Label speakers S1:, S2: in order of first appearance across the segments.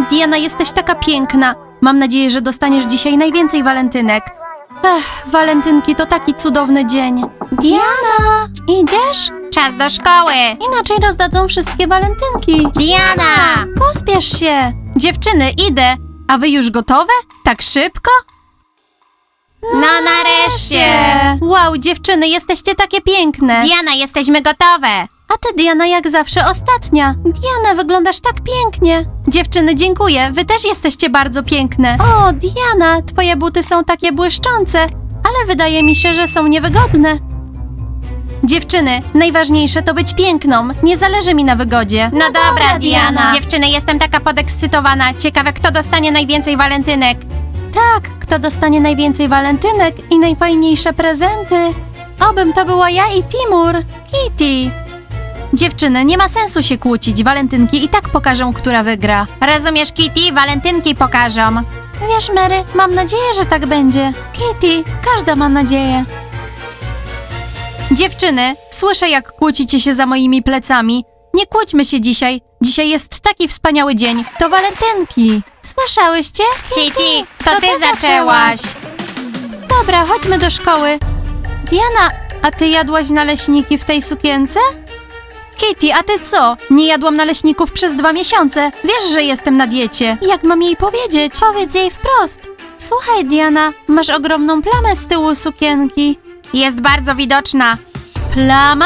S1: Diana, jesteś taka piękna. Mam nadzieję, że dostaniesz dzisiaj najwięcej walentynek. Walentynki to taki cudowny dzień. Diana, idziesz?
S2: Czas do szkoły!
S1: Inaczej rozdadzą wszystkie walentynki.
S2: Diana!
S1: Pospiesz się. Dziewczyny, idę. A wy już gotowe? Tak szybko?
S2: No nareszcie!
S1: Wow, dziewczyny, jesteście takie piękne.
S2: Diana, jesteśmy gotowe!
S1: A ty, Diana, jak zawsze ostatnia. Diana, wyglądasz tak pięknie. Dziewczyny, dziękuję. Wy też jesteście bardzo piękne. O, Diana, twoje buty są takie błyszczące, ale wydaje mi się, że są niewygodne. Dziewczyny, najważniejsze to być piękną. Nie zależy mi na wygodzie.
S2: No dobra, Diana. Dziewczyny, jestem taka podekscytowana. Ciekawe, kto dostanie najwięcej walentynek.
S1: Tak, kto dostanie najwięcej walentynek i najfajniejsze prezenty? Obym to była ja i Timur. Kitty. Dziewczyny, nie ma sensu się kłócić. Walentynki i tak pokażą, która wygra.
S2: Rozumiesz, Kitty? Walentynki pokażą.
S1: Wiesz, Mary, mam nadzieję, że tak będzie. Kitty, każda ma nadzieję. Dziewczyny, słyszę, jak kłócicie się za moimi plecami. Nie kłóćmy się dzisiaj. Dzisiaj jest taki wspaniały dzień. To walentynki. Słyszałyście?
S2: Kitty, to ty zaczęłaś.
S1: Dobra, chodźmy do szkoły. Diana, a ty jadłaś naleśniki w tej sukience? Kitty, a ty co? Nie jadłam naleśników przez 2 miesiące. Wiesz, że jestem na diecie. Jak mam jej powiedzieć? Powiedz jej wprost. Słuchaj, Diana, masz ogromną plamę z tyłu sukienki.
S2: Jest bardzo widoczna.
S1: Plama?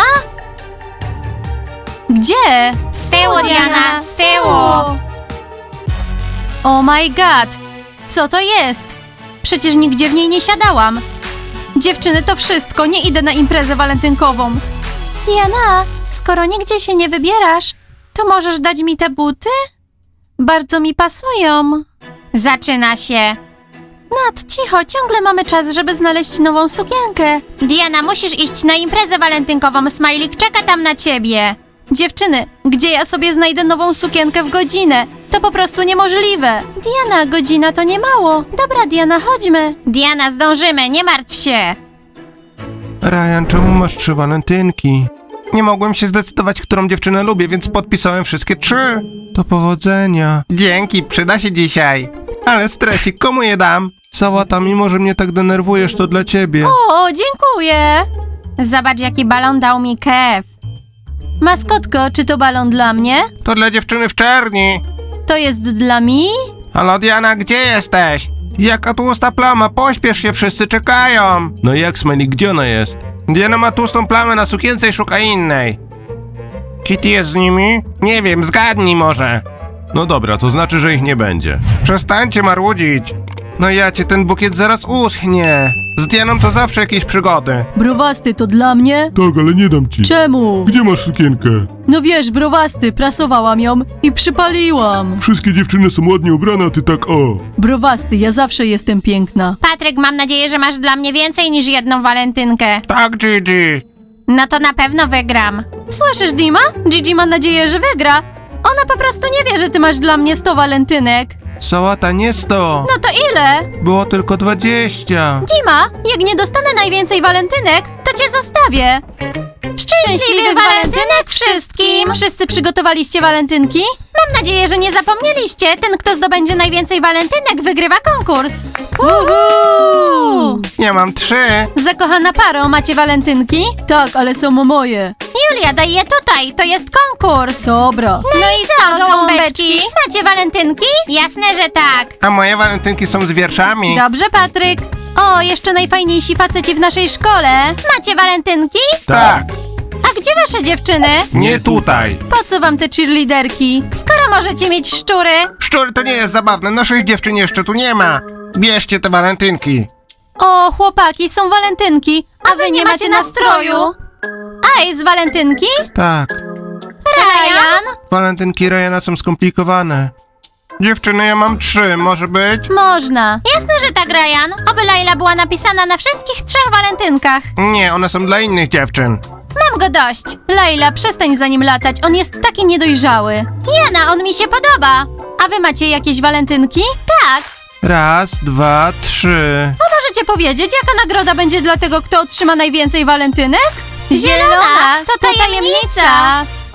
S1: Gdzie?
S2: Z tyłu, Diana, z tyłu.
S1: Oh my god! Co to jest? Przecież nigdzie w niej nie siadałam. Dziewczyny, to wszystko. Nie idę na imprezę walentynkową. Diana, skoro nigdzie się nie wybierasz, to możesz dać mi te buty? Bardzo mi pasują.
S2: Zaczyna się.
S1: Nat, cicho, ciągle mamy czas, żeby znaleźć nową sukienkę.
S2: Diana, musisz iść na imprezę walentynkową. Smajlik czeka tam na ciebie.
S1: Dziewczyny, gdzie ja sobie znajdę nową sukienkę w godzinę? To po prostu niemożliwe. Diana, godzina to nie mało. Dobra, Diana, chodźmy.
S2: Diana, zdążymy, nie martw się.
S3: Ryan, czemu masz 3 walentynki? Nie mogłem się zdecydować, którą dziewczynę lubię, więc podpisałem wszystkie 3. Do powodzenia. Dzięki, przyda się dzisiaj. Ale stresik, komu je dam? Sałata, mimo że mnie tak denerwujesz, to dla ciebie.
S1: O, dziękuję.
S2: Zobacz, jaki balon dał mi Kev.
S1: Maskotko, czy to balon dla mnie?
S3: To dla dziewczyny w czerni.
S1: To jest dla mi?
S3: Halo Diana, gdzie jesteś? Jaka tłusta plama, pośpiesz się, wszyscy czekają. No i jak, Smiley, gdzie ona jest? Diana ma tłustą plamę na sukience i szuka innej. Kitty jest z nimi? Nie wiem, zgadnij może. No dobra, to znaczy, że ich nie będzie. Przestańcie marudzić. No ja cię, ten bukiet zaraz uschnie. Z Dianą to zawsze jakieś przygody.
S1: Browasty, to dla mnie?
S4: Tak, ale nie dam ci.
S1: Czemu?
S4: Gdzie masz sukienkę?
S1: No wiesz, browasty, prasowałam ją i przypaliłam.
S4: Wszystkie dziewczyny są ładnie ubrane, a ty tak o.
S1: Browasty, ja zawsze jestem piękna.
S2: Patryk, mam nadzieję, że masz dla mnie więcej niż jedną walentynkę.
S3: Tak, Gigi.
S2: No to na pewno wygram.
S1: Słyszysz, Dima? Gigi ma nadzieję, że wygra. Ona po prostu nie wie, że ty masz dla mnie 100 walentynek.
S3: Sałata, nie 100.
S1: No to ile?
S3: Było tylko 20.
S1: Dima, jak nie dostanę najwięcej walentynek, to cię zostawię.
S2: Szczęśliwych walentynek wszystkim!
S1: Wszyscy przygotowaliście walentynki?
S2: Mam nadzieję, że nie zapomnieliście. Ten, kto zdobędzie najwięcej walentynek, wygrywa konkurs.
S1: Uhu!
S3: Ja mam 3.
S1: Zakochana paro, macie walentynki? Tak, ale są moje.
S2: Julia, daj je tutaj, to jest konkurs.
S1: Dobra.
S2: No i co, gołąbeczki? Macie walentynki? Jasne, że tak.
S3: A moje walentynki są z wierszami.
S1: Dobrze, Patryk. O, jeszcze najfajniejsi faceci w naszej szkole.
S2: Macie walentynki?
S3: Tak.
S1: A gdzie wasze dziewczyny?
S3: Nie tutaj.
S1: Po co wam te cheerleaderki?
S2: Skoro możecie mieć szczury.
S3: Szczury, to nie jest zabawne, naszych dziewczyn jeszcze tu nie ma. Bierzcie te walentynki.
S1: O, chłopaki, są walentynki, a wy nie macie nastroju. Aj, z walentynki?
S3: Tak.
S2: Ryan?
S3: Walentynki Ryana są skomplikowane. Dziewczyny, ja mam 3, może być?
S1: Można.
S2: Jasne, że tak, Ryan. Oby Laila była napisana na wszystkich 3 walentynkach.
S3: Nie, one są dla innych dziewczyn.
S2: Mam go dość.
S1: Laila, przestań za nim latać, on jest taki niedojrzały.
S2: Jana, on mi się podoba.
S1: A wy macie jakieś walentynki?
S2: Tak.
S3: 1, 2, 3.
S1: Możecie powiedzieć, jaka nagroda będzie dla tego, kto otrzyma najwięcej walentynek?
S2: Zielona, to tajemnica.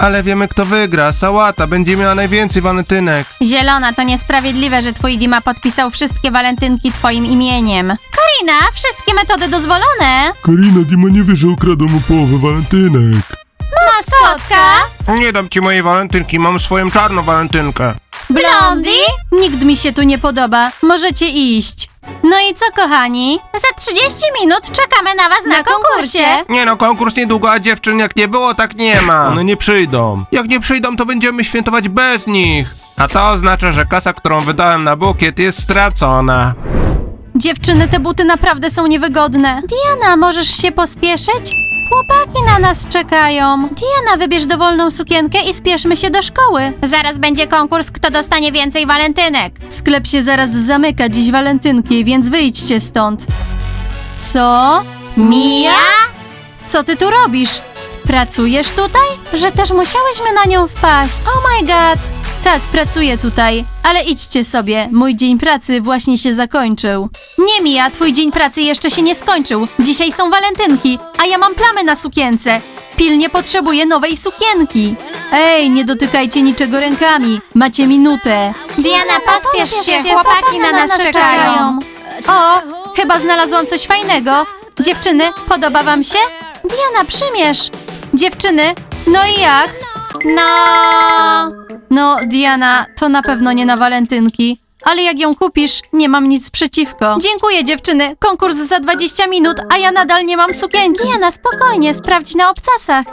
S3: Ale wiemy, kto wygra. Sałata będzie miała najwięcej walentynek.
S2: Zielona, to niesprawiedliwe, że twój Dima podpisał wszystkie walentynki twoim imieniem. Karina, wszystkie metody dozwolone.
S4: Karina, Dima nie wie, że ukradł mu połowę walentynek.
S2: Maskotka?
S3: Nie dam ci mojej walentynki, mam swoją czarną walentynkę.
S2: Blondie?
S1: Nikt mi się tu nie podoba. Możecie iść. No i co, kochani?
S2: Za 30 minut czekamy na was na konkursie.
S3: Nie no, konkurs niedługo, a dziewczyn jak nie było, tak nie ma. One nie przyjdą. Jak nie przyjdą, to będziemy świętować bez nich. A to oznacza, że kasa, którą wydałem na bukiet, jest stracona.
S1: Dziewczyny, te buty naprawdę są niewygodne. Diana, możesz się pospieszyć? Chłopaki na nas czekają. Diana, wybierz dowolną sukienkę i spieszmy się do szkoły.
S2: Zaraz będzie konkurs, kto dostanie więcej walentynek.
S1: Sklep się zaraz zamyka, dziś walentynki, więc wyjdźcie stąd. Co?
S2: Mia?
S1: Co ty tu robisz? Pracujesz tutaj? Że też musiałyśmy na nią wpaść. Oh my god! Tak, pracuję tutaj, ale idźcie sobie. Mój dzień pracy właśnie się zakończył. Nie, Mia, twój dzień pracy jeszcze się nie skończył. Dzisiaj są walentynki, a ja mam plamy na sukience. Pilnie potrzebuję nowej sukienki. Ej, nie dotykajcie niczego rękami. Macie minutę.
S2: Diana, pospiesz się, chłopaki na nas czekają.
S1: O, chyba znalazłam coś fajnego. Dziewczyny, podoba wam się? Diana, przymierz. Dziewczyny, no i jak? No, Diana, to na pewno nie na walentynki. Ale jak ją kupisz, nie mam nic przeciwko. Dziękuję, dziewczyny. Konkurs za 20 minut, a ja nadal nie mam sukienki. Diana, spokojnie, sprawdź na obcasach.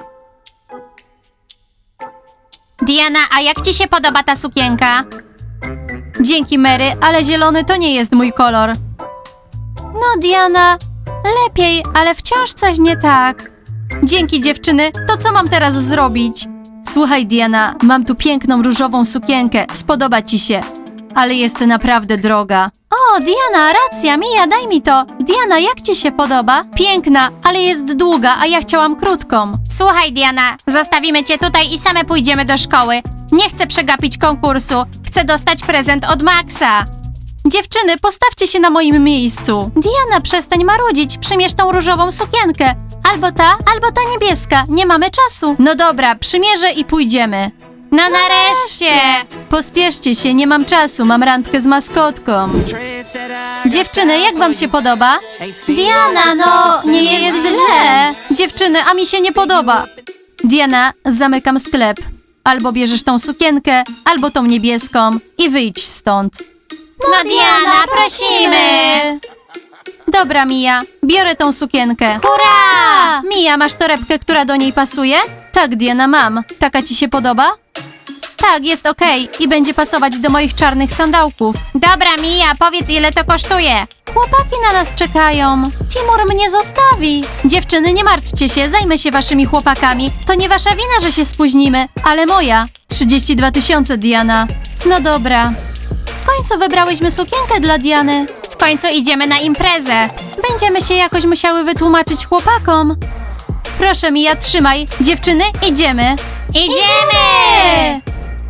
S2: Diana, a jak ci się podoba ta sukienka?
S1: Dzięki, Mary, ale zielony to nie jest mój kolor. No, Diana, lepiej, ale wciąż coś nie tak. Dzięki, dziewczyny. To co mam teraz zrobić? Słuchaj, Diana, mam tu piękną różową sukienkę. Spodoba ci się. Ale jest naprawdę droga. O, Diana, racja, Mia, daj mi to. Diana, jak ci się podoba? Piękna, ale jest długa, a ja chciałam krótką.
S2: Słuchaj, Diana, zostawimy cię tutaj i same pójdziemy do szkoły. Nie chcę przegapić konkursu. Chcę dostać prezent od Maxa.
S1: Dziewczyny, postawcie się na moim miejscu. Diana, przestań marudzić, przymierz tą różową sukienkę. Albo ta niebieska. Nie mamy czasu. No dobra, przymierzę i pójdziemy.
S2: No nareszcie!
S1: Pospieszcie się, nie mam czasu, mam randkę z maskotką. Dziewczyny, jak wam się podoba? Diana, no, nie jest źle. Dziewczyny, a mi się nie podoba. Diana, zamykam sklep. Albo bierzesz tą sukienkę, albo tą niebieską i wyjdź stąd.
S2: No Diana, prosimy!
S1: Dobra, Mia, biorę tą sukienkę.
S2: Hurra!
S1: Mia, masz torebkę, która do niej pasuje? Tak, Diana, mam. Taka ci się podoba? Tak, jest okej i będzie pasować do moich czarnych sandałków.
S2: Dobra, Mia, powiedz ile to kosztuje.
S1: Chłopaki na nas czekają. Timur mnie zostawi. Dziewczyny, nie martwcie się, zajmę się waszymi chłopakami. To nie wasza wina, że się spóźnimy, ale moja. 32 000, Diana. No dobra. W końcu wybrałyśmy sukienkę dla Diany.
S2: W końcu idziemy na imprezę.
S1: Będziemy się jakoś musiały wytłumaczyć chłopakom. Proszę, Mia, trzymaj. Dziewczyny, idziemy.
S2: Idziemy!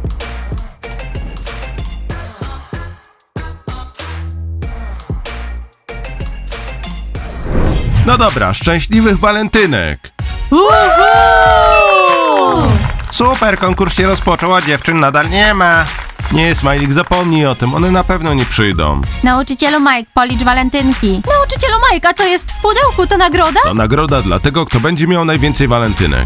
S3: No dobra, szczęśliwych walentynek. Super, konkurs się rozpoczął, a dziewczyn nadal nie ma. Nie, Smajlik, zapomnij o tym, one na pewno nie przyjdą.
S2: Nauczycielu Mike, policz walentynki.
S1: Nauczycielu Mike, a co jest w pudełku? To nagroda?
S3: To nagroda dla tego, kto będzie miał najwięcej walentynek.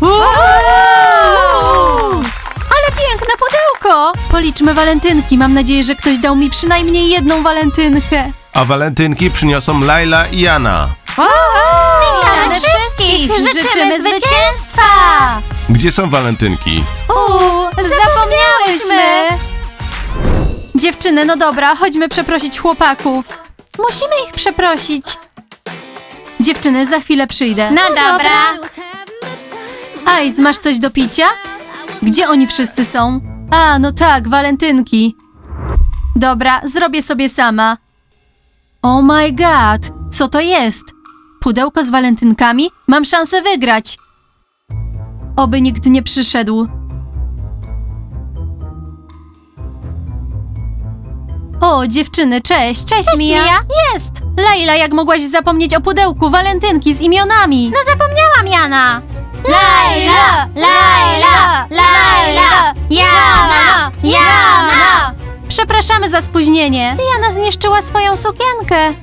S1: Ale piękne pudełko! Policzmy walentynki. Mam nadzieję, że ktoś dał mi przynajmniej jedną walentynkę.
S3: A walentynki przyniosą Laila i Jana.
S2: Witamy wszystkich! Życzymy zwycięstwa!
S3: Gdzie są walentynki?
S1: Zapomniałyśmy! Dziewczyny, no dobra, chodźmy przeprosić chłopaków. Musimy ich przeprosić. Dziewczyny, za chwilę przyjdę.
S2: No dobra.
S1: Ice, masz coś do picia? Gdzie oni wszyscy są? A, no tak, walentynki. Dobra, zrobię sobie sama. Oh my god, co to jest? Pudełko z walentynkami? Mam szansę wygrać. Oby nikt nie przyszedł. O, dziewczyny, cześć.
S2: Cześć, Mia.
S1: Jest! Laila, jak mogłaś zapomnieć o pudełku walentynki z imionami?
S2: No zapomniałam, Jana. Laila! Laila! Laila! Jana! Jana!
S1: Przepraszamy za spóźnienie. Diana zniszczyła swoją sukienkę.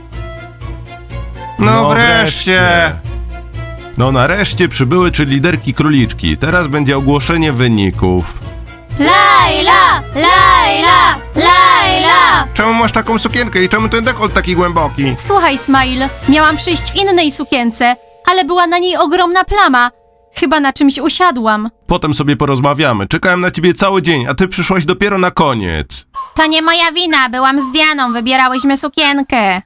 S3: No wreszcie! No nareszcie przybyły 3 liderki króliczki. Teraz będzie ogłoszenie wyników.
S2: Laila! Laila! Laila!
S3: Czemu masz taką sukienkę i czemu ten dekolt taki głęboki?
S1: Słuchaj, Smile, miałam przyjść w innej sukience, ale była na niej ogromna plama. Chyba na czymś usiadłam.
S3: Potem sobie porozmawiamy. Czekałem na ciebie cały dzień, a ty przyszłaś dopiero na koniec.
S2: To nie moja wina, byłam z Dianą, wybierałyśmy sukienkę.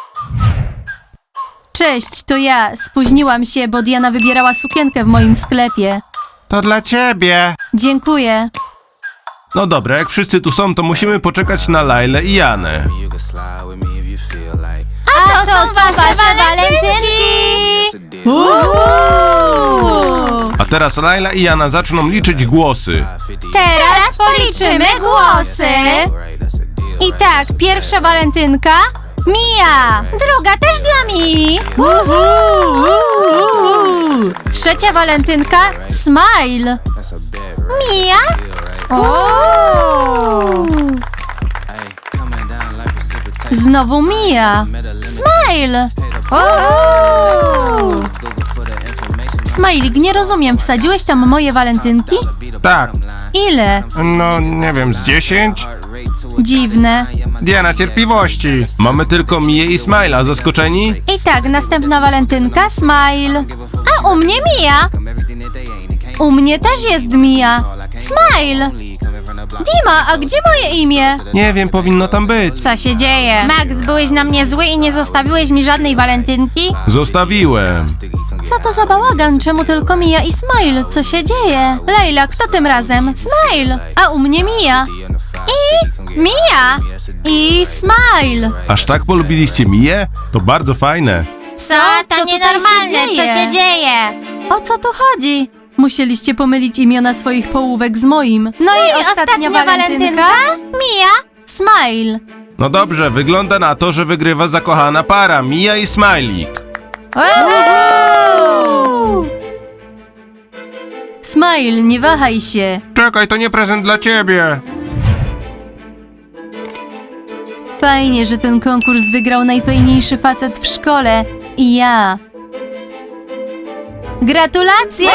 S1: Cześć, to ja. Spóźniłam się, bo Diana wybierała sukienkę w moim sklepie.
S3: To dla ciebie.
S1: Dziękuję.
S3: No dobra, jak wszyscy tu są, to musimy poczekać na Lailę i Janę.
S5: You can slide with me if you feel like.
S2: A to są wasze walentynki!
S3: A teraz Laila i Jana zaczną liczyć głosy.
S2: Teraz policzymy głosy.
S5: Right, that's a deal.
S1: I tak, pierwsza walentynka Mia.
S2: Druga też dla Mii.
S1: Trzecia walentynka Smile.
S5: That's a bet, right?
S2: Mia?
S5: Deal, right? Hey, coming down like precipitation.
S1: Znowu Mia. Smile.
S5: Google for the information.
S1: Smajlik, nie rozumiem, wsadziłeś tam moje walentynki?
S3: Tak.
S1: Ile?
S3: No, nie wiem, z 10?
S1: Dziwne.
S3: Diana, cierpliwości. Mamy tylko Mię i Smile'a. Zaskoczeni?
S1: I tak, następna walentynka Smile.
S2: A u mnie Mia.
S1: U mnie też jest Mia. Smile. Dima, a gdzie moje imię?
S3: Nie wiem, powinno tam być.
S1: Co się dzieje?
S2: Max, byłeś na mnie zły i nie zostawiłeś mi żadnej walentynki?
S3: Zostawiłem.
S1: Co to za bałagan? Czemu tylko Mia i Smile? Co się dzieje? Lejla, kto tym razem? Smile. A u mnie Mia.
S2: Mia!
S1: I Smile.
S3: Aż tak polubiliście Mię? To bardzo fajne.
S2: Co?
S1: Co
S2: To
S1: tutaj
S2: nienormalne,
S1: się dzieje?
S2: co się dzieje?
S1: O co tu chodzi? Musieliście pomylić imiona swoich połówek z moim. No i ostatnia walentynka?
S2: Mia?
S1: Smile.
S3: No dobrze, wygląda na to, że wygrywa zakochana para Mia i Smajlik.
S1: Smile, nie wahaj się.
S3: Czekaj, to nie prezent dla ciebie.
S1: Fajnie, że ten konkurs wygrał najfajniejszy facet w szkole. I ja. Gratulacje!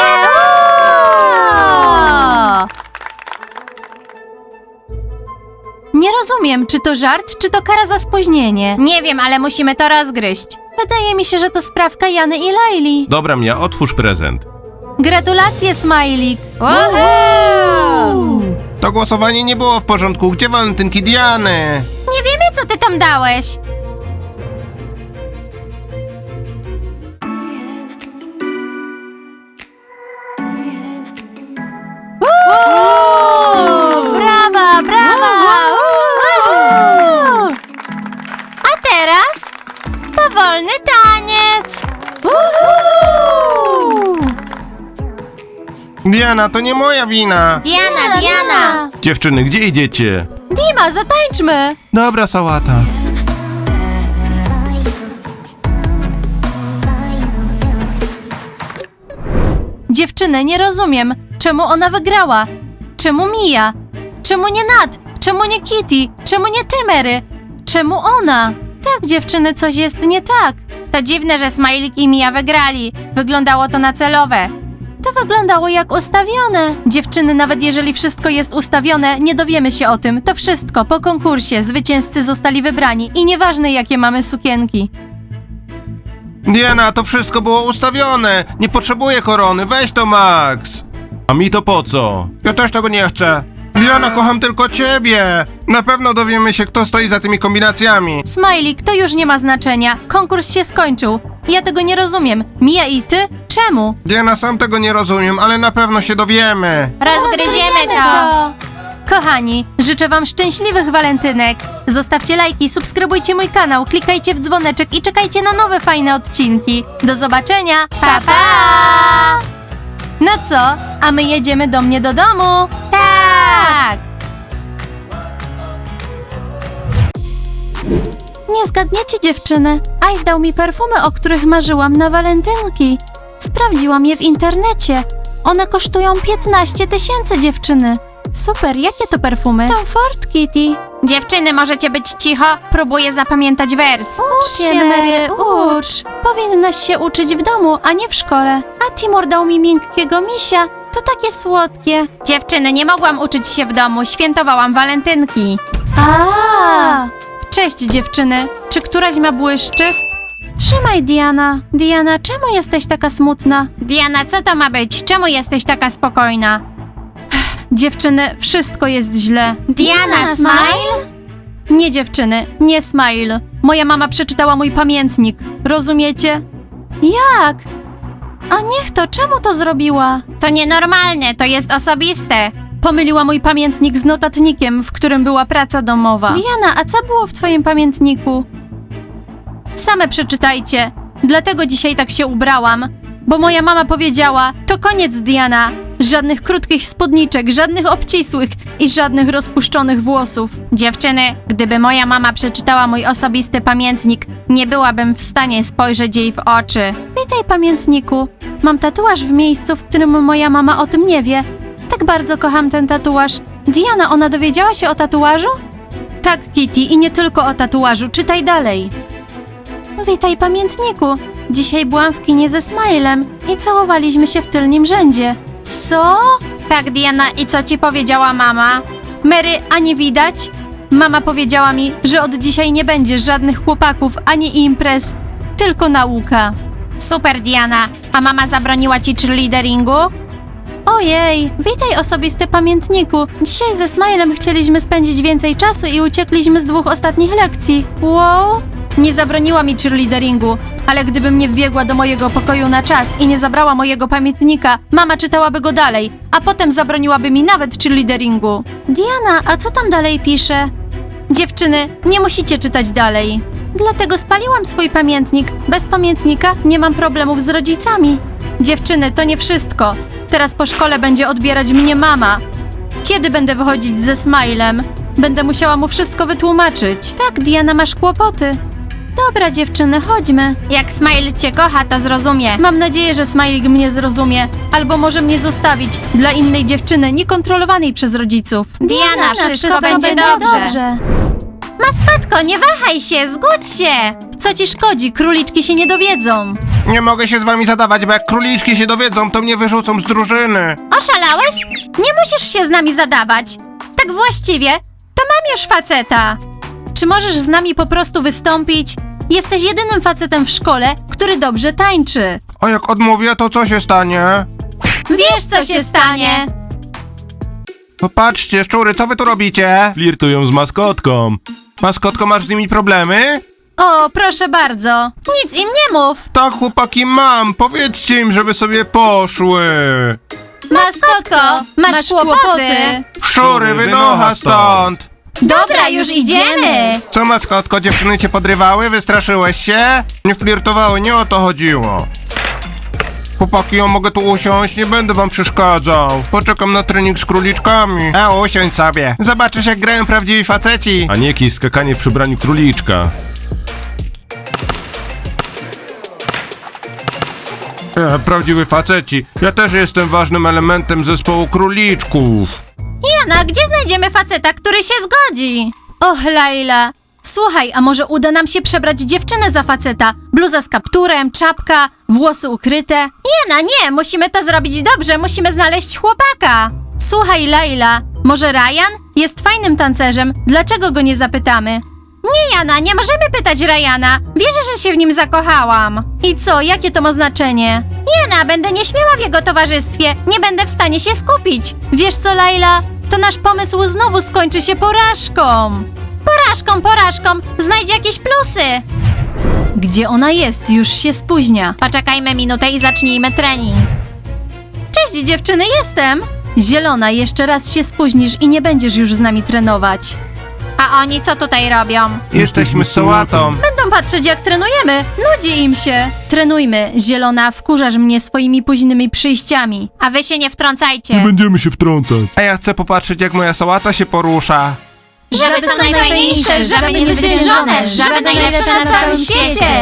S1: Nie rozumiem, czy to żart, czy to kara za spóźnienie.
S2: Nie wiem, ale musimy to rozgryźć.
S1: Wydaje mi się, że to sprawka Jany i Laili.
S3: Dobra, Mia, otwórz prezent.
S1: Gratulacje, Smajlik.
S3: To głosowanie nie było w porządku. Gdzie walentynki Diany?
S2: Nie wiemy, co ty tam dałeś.
S1: Brawa, brawa!
S2: A teraz powolny taniec.
S3: Diana, to nie moja wina.
S2: Diana, Diana.
S3: Dziewczyny, gdzie idziecie?
S1: Dima, zatańczmy!
S3: Dobra, sałata.
S1: Dziewczyny, nie rozumiem. Czemu ona wygrała? Czemu Mia? Czemu nie Nat? Czemu nie Kitty? Czemu nie ty, Mary? Czemu ona? Tak, dziewczyny, coś jest nie tak.
S2: To dziwne, że Smajlik i Mia wygrali. Wyglądało to na celowe.
S1: To wyglądało jak ustawione. Dziewczyny, nawet jeżeli wszystko jest ustawione, nie dowiemy się o tym. To wszystko po konkursie. Zwycięzcy zostali wybrani i nieważne jakie mamy sukienki.
S3: Diana, to wszystko było ustawione. Nie potrzebuję korony. Weź to, Max. A mi to po co? Ja też tego nie chcę. Diana, kocham tylko ciebie. Na pewno dowiemy się, kto stoi za tymi kombinacjami.
S1: Smajlik, to już nie ma znaczenia. Konkurs się skończył. Ja tego nie rozumiem. Mia i ty? Czemu?
S3: Diana, sam tego nie rozumiem, ale na pewno się dowiemy.
S2: Rozgryziemy to.
S1: Kochani, życzę wam szczęśliwych walentynek. Zostawcie lajki, subskrybujcie mój kanał, klikajcie w dzwoneczek i czekajcie na nowe fajne odcinki. Do zobaczenia.
S2: Pa, pa.
S1: No co? A my jedziemy do mnie do domu.
S2: Tak.
S1: Nie zgadniecie, dziewczyny. Ice dał mi perfumy, o których marzyłam na walentynki. Sprawdziłam je w internecie. One kosztują 15 000, dziewczyny. Super, jakie to perfumy? Tom Ford, Kitty.
S2: Dziewczyny, możecie być cicho? Próbuję zapamiętać wers.
S1: Ucz się, Mary, ucz. Powinnaś się uczyć w domu, a nie w szkole. A Timur dał mi miękkiego misia. To takie słodkie.
S2: Dziewczyny, nie mogłam uczyć się w domu, świętowałam walentynki.
S1: A! Cześć, dziewczyny. Czy któraś ma błyszczyk? Trzymaj, Diana. Diana, czemu jesteś taka smutna?
S2: Diana, co to ma być? Czemu jesteś taka spokojna?
S1: Dziewczyny, wszystko jest źle.
S2: Diana, smile?
S1: Nie, dziewczyny, nie smile. Moja mama przeczytała mój pamiętnik. Rozumiecie? Jak? A niech to, czemu to zrobiła?
S2: To nienormalne, to jest osobiste.
S1: Pomyliła mój pamiętnik z notatnikiem, w którym była praca domowa. Diana, a co było w twoim pamiętniku? Same przeczytajcie. Dlatego dzisiaj tak się ubrałam. Bo moja mama powiedziała, to koniec, Diana. Żadnych krótkich spódniczek, żadnych obcisłych i żadnych rozpuszczonych włosów.
S2: Dziewczyny, gdyby moja mama przeczytała mój osobisty pamiętnik, nie byłabym w stanie spojrzeć jej w oczy.
S1: Witaj, pamiętniku. Mam tatuaż w miejscu, w którym moja mama o tym nie wie. Tak bardzo kocham ten tatuaż. Diana, ona dowiedziała się o tatuażu? Tak, Kitty, i nie tylko o tatuażu. Czytaj dalej. Witaj, pamiętniku. Dzisiaj byłam w kinie ze Smilem i całowaliśmy się w tylnym rzędzie. Co?
S2: Tak, Diana, i co ci powiedziała mama?
S1: Mary, a nie widać? Mama powiedziała mi, że od dzisiaj nie będzie żadnych chłopaków ani imprez, tylko nauka.
S2: Super, Diana. A mama zabroniła ci cheerleaderingu?
S1: Ojej, witaj, osobisty pamiętniku. Dzisiaj ze Smilem chcieliśmy spędzić więcej czasu i uciekliśmy z 2 ostatnich lekcji. Wow! Nie zabroniła mi cheerleaderingu, ale gdybym nie wbiegła do mojego pokoju na czas i nie zabrała mojego pamiętnika, mama czytałaby go dalej, a potem zabroniłaby mi nawet cheerleaderingu. Diana, a co tam dalej pisze? Dziewczyny, nie musicie czytać dalej. Dlatego spaliłam swój pamiętnik. Bez pamiętnika nie mam problemów z rodzicami. Dziewczyny, to nie wszystko. Teraz po szkole będzie odbierać mnie mama. Kiedy będę wychodzić ze Smilem? Będę musiała mu wszystko wytłumaczyć. Tak, Diana, masz kłopoty. Dobra, dziewczyny, chodźmy.
S2: Jak Smile cię kocha, to zrozumie.
S1: Mam nadzieję, że Smile mnie zrozumie, albo może mnie zostawić dla innej dziewczyny, niekontrolowanej przez rodziców.
S2: Diana, wszystko będzie dobrze. Maskotko, nie wahaj się, zgódź się.
S1: Co ci szkodzi? Króliczki się nie dowiedzą.
S3: Nie mogę się z wami zadawać, bo jak króliczki się dowiedzą, to mnie wyrzucą z drużyny.
S2: Oszalałeś? Nie musisz się z nami zadawać. Tak właściwie, to mam już faceta.
S1: Czy możesz z nami po prostu wystąpić? Jesteś jedynym facetem w szkole, który dobrze tańczy.
S3: A jak odmówię, to co się stanie?
S2: Wiesz, co się stanie.
S3: Popatrzcie, szczury, co wy tu robicie?
S4: Flirtują z maskotką.
S3: Maskotko, masz z nimi problemy?
S1: O, proszę bardzo.
S2: Nic im nie mów.
S3: Tak, chłopaki, mam. Powiedzcie im, żeby sobie poszły.
S2: Maskotko, masz kłopoty.
S3: Szczury, wynocha stąd.
S2: Dobra, już idziemy.
S3: Co, maskotko, dziewczyny cię podrywały? Wystraszyłeś się? Nie flirtowały, nie o to chodziło. Chłopaki, ja mogę tu usiąść? Nie będę wam przeszkadzał. Poczekam na trening z króliczkami. A usiądź sobie. Zobaczysz, jak grają prawdziwi faceci.
S4: A nie jakieś skakanie w przebraniu króliczka.
S3: Prawdziwi faceci. Ja też jestem ważnym elementem zespołu króliczków.
S2: Jana, gdzie znajdziemy faceta, który się zgodzi?
S1: Och, Laila. Słuchaj, a może uda nam się przebrać dziewczynę za faceta? Bluza z kapturem, czapka, włosy ukryte.
S2: Jana, nie, musimy to zrobić dobrze, musimy znaleźć chłopaka.
S1: Słuchaj, Laila, może Ryan? Jest fajnym tancerzem, dlaczego go nie zapytamy?
S2: Nie, Jana, nie możemy pytać Ryana. Wierzę, że się w nim zakochałam.
S1: I co, jakie to ma znaczenie?
S2: Jana, będę nieśmiała w jego towarzystwie. Nie będę w stanie się skupić.
S1: Wiesz co, Laila? To nasz pomysł znowu skończy się porażką.
S2: Porażką, znajdź jakieś plusy.
S1: Gdzie ona jest? Już się spóźnia.
S2: Poczekajmy minutę i zacznijmy trening.
S1: Cześć dziewczyny, jestem! Zielona, jeszcze raz się spóźnisz i nie będziesz już z nami trenować.
S2: A oni co tutaj robią?
S3: Jesteśmy z sałatą.
S1: Będą patrzeć jak trenujemy, nudzi im się. Trenujmy, Zielona, wkurzasz mnie swoimi późnymi przyjściami.
S2: A wy się nie wtrącajcie.
S4: Nie będziemy się wtrącać.
S3: A ja chcę popatrzeć, jak moja sałata się porusza.
S2: Żaby są najfajniejsze, żaby niezwyciężone, żaby najlepsze na całym świecie.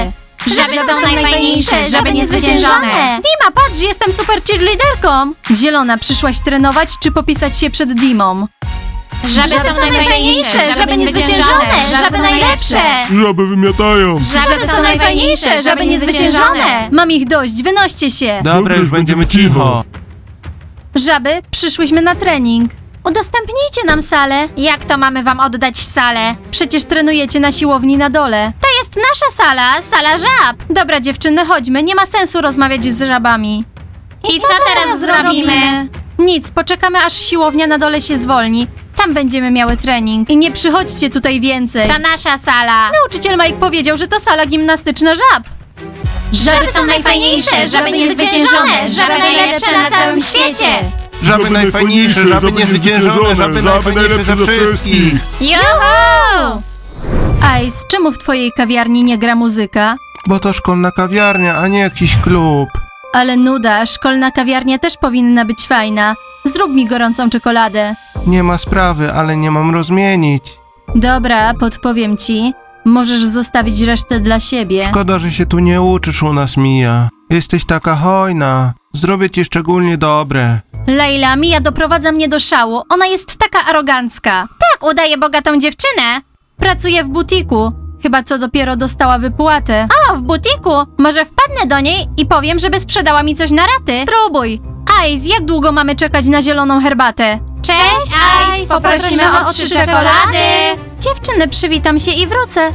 S2: Żaby są najfajniejsze, żaby niezwyciężone.
S1: Dima, patrz, jestem super cheerleaderką. Zielona, przyszłaś trenować czy popisać się przed Dimą?
S2: Żaby są najfajniejsze, żaby niezwyciężone, żaby najlepsze.
S4: Żaby wymiatają.
S2: Żaby są najfajniejsze, żaby niezwyciężone.
S1: Mam ich dość, wynoście się.
S3: Dobra, już będziemy cicho.
S1: Żaby, przyszłyśmy na trening. Udostępnijcie nam salę.
S2: Jak to mamy wam oddać salę?
S1: Przecież trenujecie na siłowni na dole.
S2: To jest nasza sala, sala żab.
S1: Dobra dziewczyny, chodźmy, nie ma sensu rozmawiać z żabami.
S2: I co teraz zrobimy?
S1: Nic, poczekamy aż siłownia na dole się zwolni. Tam będziemy miały trening. I nie przychodźcie tutaj więcej.
S2: To nasza sala.
S1: Nauczyciel Mike powiedział, że to sala gimnastyczna żab.
S2: Żaby są najfajniejsze, żaby niezwyciężone, żaby najlepsze na całym świecie.
S3: Żaby najfajniejsze, żaby niezwyciężone, żaby najfajniejsze ze wszystkich.
S2: Juhu!
S1: Ice, czemu w twojej kawiarni nie gra muzyka?
S3: Bo to szkolna kawiarnia, a nie jakiś klub.
S1: Ale nuda, szkolna kawiarnia też powinna być fajna. Zrób mi gorącą czekoladę.
S3: Nie ma sprawy, ale nie mam rozmienić.
S1: Dobra, podpowiem ci. Możesz zostawić resztę dla siebie.
S3: Szkoda, że się tu nie uczysz u nas, Mia. Jesteś taka hojna. Zrobię ci szczególnie dobre.
S1: Leila, Mia doprowadza mnie do szału. Ona jest taka arogancka.
S2: Tak, udaje bogatą dziewczynę.
S1: Pracuje w butiku. Chyba co dopiero dostała wypłatę.
S2: O, w butiku. Może wpadnę do niej i powiem, żeby sprzedała mi coś na raty.
S1: Spróbuj. Ice, jak długo mamy czekać na zieloną herbatę?
S2: Cześć, Ice. Poprosimy o 3 czekolady.
S1: Dziewczyny, przywitam się i wrócę.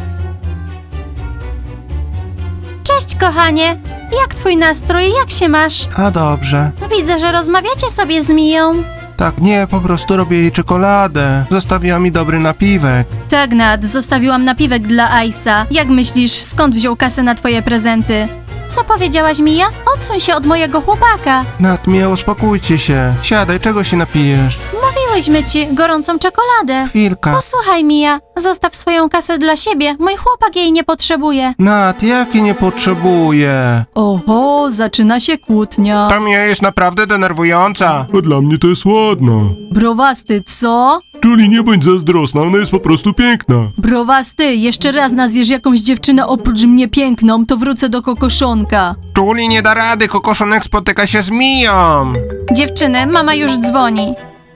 S1: Cześć, kochanie. Jak twój nastrój? Jak się masz?
S3: A dobrze.
S1: Widzę, że rozmawiacie sobie z Miją.
S3: Tak, nie, po prostu robię jej czekoladę. Zostawiła mi dobry napiwek.
S1: Tak, Nad, zostawiłam napiwek dla Ice'a. Jak myślisz, skąd wziął kasę na twoje prezenty? Co powiedziałaś, Mija? Odsuń się od mojego chłopaka.
S3: Nat, Mia, uspokójcie się. Siadaj, czego się napijesz?
S1: Mówiłyśmy ci gorącą czekoladę.
S3: Chwilka.
S1: Posłuchaj, Mija, zostaw swoją kasę dla siebie. Mój chłopak jej nie potrzebuje.
S3: Nat, jaki nie potrzebuję?
S1: Oho, zaczyna się kłótnia.
S3: Ta Mia jest naprawdę denerwująca.
S4: A dla mnie to jest ładna.
S1: Browasty, co?
S4: Julie, nie bądź zazdrosna, ona jest po prostu piękna.
S1: Browasty, jeszcze raz nazwiesz jakąś dziewczynę oprócz mnie piękną, to wrócę do kokoszonka.
S3: Julie nie da rady, kokoszonek spotyka się z Miją.
S1: Dziewczyny, mama już dzwoni.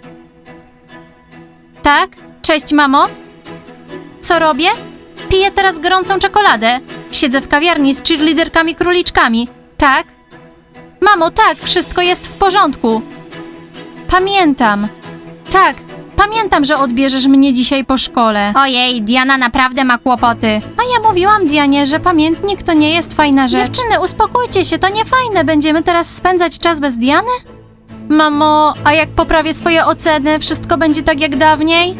S1: Tak? Cześć, mamo? Co robię? Piję teraz gorącą czekoladę. Siedzę w kawiarni z cheerleaderkami króliczkami. Tak? Mamo, tak, wszystko jest w porządku. Pamiętam. Tak, pamiętam, że odbierzesz mnie dzisiaj po szkole.
S2: Ojej, Diana naprawdę ma kłopoty.
S1: A ja mówiłam Dianie, że pamiętnik to nie jest fajna rzecz. Dziewczyny, uspokójcie się, to nie fajne. Będziemy teraz spędzać czas bez Diany? Mamo, a jak poprawię swoje oceny, wszystko będzie tak jak dawniej?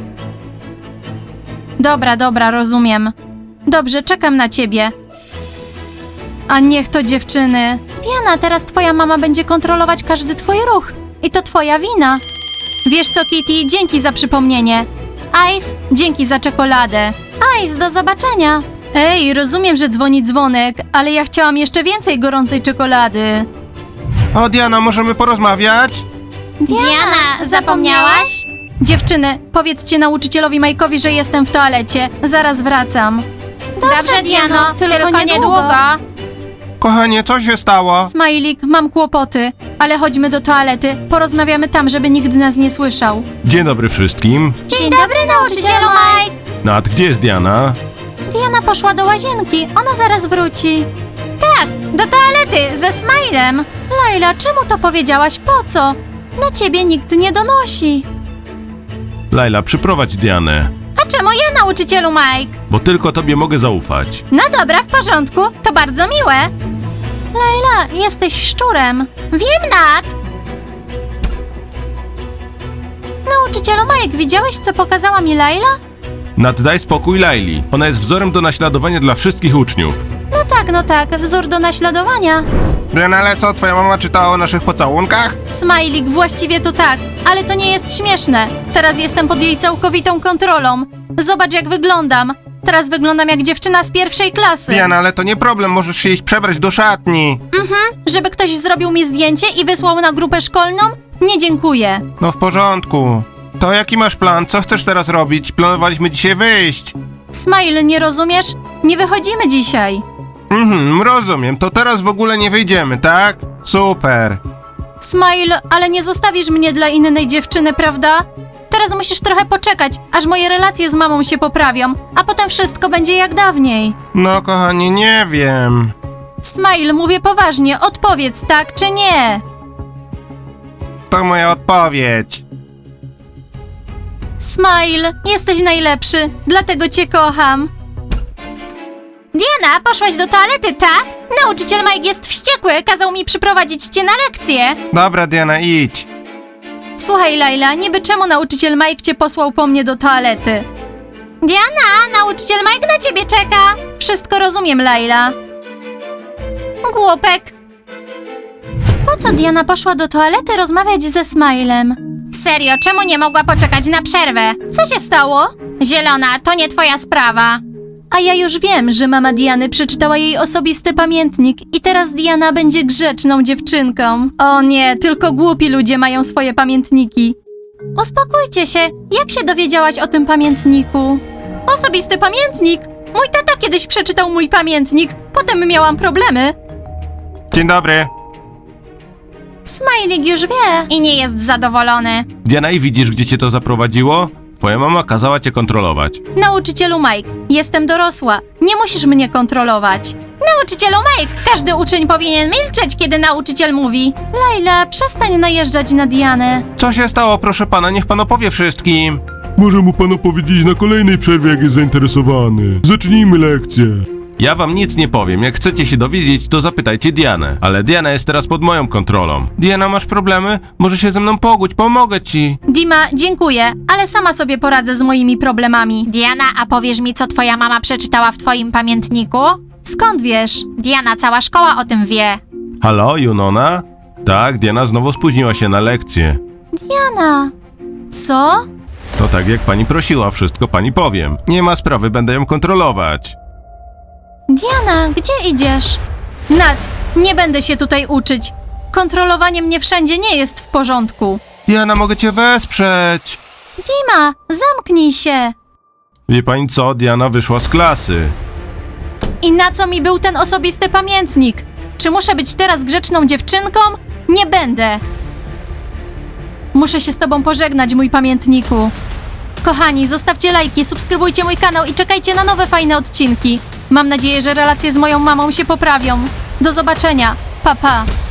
S1: Dobra, rozumiem. Dobrze, czekam na ciebie. A niech to dziewczyny. Diana, teraz twoja mama będzie kontrolować każdy twój ruch. I to twoja wina. Wiesz co, Kitty, dzięki za przypomnienie. Ice, dzięki za czekoladę. Ice, do zobaczenia. Ej, rozumiem, że dzwoni dzwonek, ale ja chciałam jeszcze więcej gorącej czekolady.
S3: O, Diana, możemy porozmawiać?
S2: Diana, zapomniałaś?
S1: Dziewczyny, powiedzcie nauczycielowi Majkowi, że jestem w toalecie. Zaraz wracam.
S2: Dobrze, Diano, tylko niedługo.
S3: Kochanie, co się stało?
S1: Smajlik, mam kłopoty, ale chodźmy do toalety. Porozmawiamy tam, żeby nikt nas nie słyszał.
S4: Dzień dobry wszystkim.
S2: Dzień dobry, nauczycielu Mike.
S4: Nat, gdzie jest Diana?
S1: Diana poszła do łazienki, ona zaraz wróci.
S2: Tak, do toalety, ze Smilem.
S1: Laila, czemu to powiedziałaś? Po co? Na ciebie nikt nie donosi.
S4: Laila, przyprowadź Dianę,
S2: A czemu ja, nauczycielu Mike?
S4: bo tylko tobie mogę zaufać.
S2: No dobra, w porządku, to bardzo miłe.
S1: Laila, jesteś szczurem.
S2: Wiem, Nat.
S1: Nauczycielu Mike, widziałeś, co pokazała mi Laila?
S4: Nat, daj spokój Laili. Ona jest wzorem do naśladowania dla wszystkich uczniów.
S1: No tak, wzór do naśladowania.
S3: Diana, ale co, twoja mama czytała o naszych pocałunkach?
S1: Smajlik, właściwie to tak, ale to nie jest śmieszne. Teraz jestem pod jej całkowitą kontrolą. Zobacz, jak wyglądam. Teraz wyglądam jak dziewczyna z pierwszej klasy.
S3: Diana, ale to nie problem, możesz się iść przebrać do szatni.
S1: Żeby ktoś zrobił mi zdjęcie i wysłał na grupę szkolną? Nie dziękuję.
S3: No w porządku. To jaki masz plan? Co chcesz teraz robić? Planowaliśmy dzisiaj wyjść.
S1: Smile, nie rozumiesz? Nie wychodzimy dzisiaj.
S3: Rozumiem. To teraz w ogóle nie wyjdziemy, tak? Super.
S1: Smile, ale nie zostawisz mnie dla innej dziewczyny, prawda? Teraz musisz trochę poczekać, aż moje relacje z mamą się poprawią, a potem wszystko będzie jak dawniej.
S3: No kochani, nie wiem.
S1: Smile, mówię poważnie, odpowiedz tak czy nie.
S3: To moja odpowiedź.
S1: Smile, jesteś najlepszy, dlatego cię kocham.
S2: Diana, poszłaś do toalety, tak? Nauczyciel Mike jest wściekły, kazał mi przyprowadzić cię na lekcję.
S3: Dobra, Diana, idź.
S1: Słuchaj, Laila, niby czemu nauczyciel Mike cię posłał po mnie do toalety?
S2: Diana, nauczyciel Mike na ciebie czeka.
S1: Wszystko rozumiem, Laila.
S2: Głupek.
S1: Po co Diana poszła do toalety rozmawiać ze Smilem?
S2: Serio, czemu nie mogła poczekać na przerwę?
S1: Co się stało?
S2: Zielona, to nie twoja sprawa.
S1: A ja już wiem, że mama Diany przeczytała jej osobisty pamiętnik i teraz Diana będzie grzeczną dziewczynką. O nie, tylko głupi ludzie mają swoje pamiętniki. Uspokójcie się, jak się dowiedziałaś o tym pamiętniku? Osobisty pamiętnik? Mój tata kiedyś przeczytał mój pamiętnik, potem miałam problemy.
S3: Dzień dobry.
S1: Smajlik już wie.
S2: I nie jest zadowolony.
S4: Diana, i widzisz, gdzie cię to zaprowadziło? Twoja mama kazała cię kontrolować.
S1: Nauczycielu Mike, jestem dorosła, nie musisz mnie kontrolować.
S2: Nauczycielu Mike, każdy uczeń powinien milczeć, kiedy nauczyciel mówi.
S1: Laila, przestań najeżdżać na Dianę.
S3: Co się stało, proszę pana? Niech pan opowie wszystkim.
S4: Może mu pan opowiedzieć na kolejnej przerwie, jak jest zainteresowany. Zacznijmy lekcję. Ja wam nic nie powiem. Jak chcecie się dowiedzieć, to zapytajcie Dianę. Ale Diana jest teraz pod moją kontrolą.
S3: Diana, masz problemy? Może się ze mną pogódź, pomogę ci.
S1: Dima, dziękuję, ale sama sobie poradzę z moimi problemami.
S2: Diana, a powiesz mi, co twoja mama przeczytała w twoim pamiętniku?
S1: Skąd wiesz?
S2: Diana, cała szkoła o tym wie.
S4: Halo, Junona? Tak, Diana znowu spóźniła się na lekcję.
S1: Diana. Co?
S4: To tak, jak pani prosiła, wszystko pani powiem. Nie ma sprawy, będę ją kontrolować.
S1: Diana, gdzie idziesz? Nat, nie będę się tutaj uczyć. Kontrolowanie mnie wszędzie nie jest w porządku.
S3: Diana, mogę cię wesprzeć.
S1: Dima, zamknij się.
S4: Wie pani co? Diana wyszła z klasy.
S1: I na co mi był ten osobisty pamiętnik? Czy muszę być teraz grzeczną dziewczynką? Nie będę. Muszę się z tobą pożegnać, mój pamiętniku. Kochani, zostawcie lajki, subskrybujcie mój kanał i czekajcie na nowe fajne odcinki. Mam nadzieję, że relacje z moją mamą się poprawią. Do zobaczenia. Pa, pa.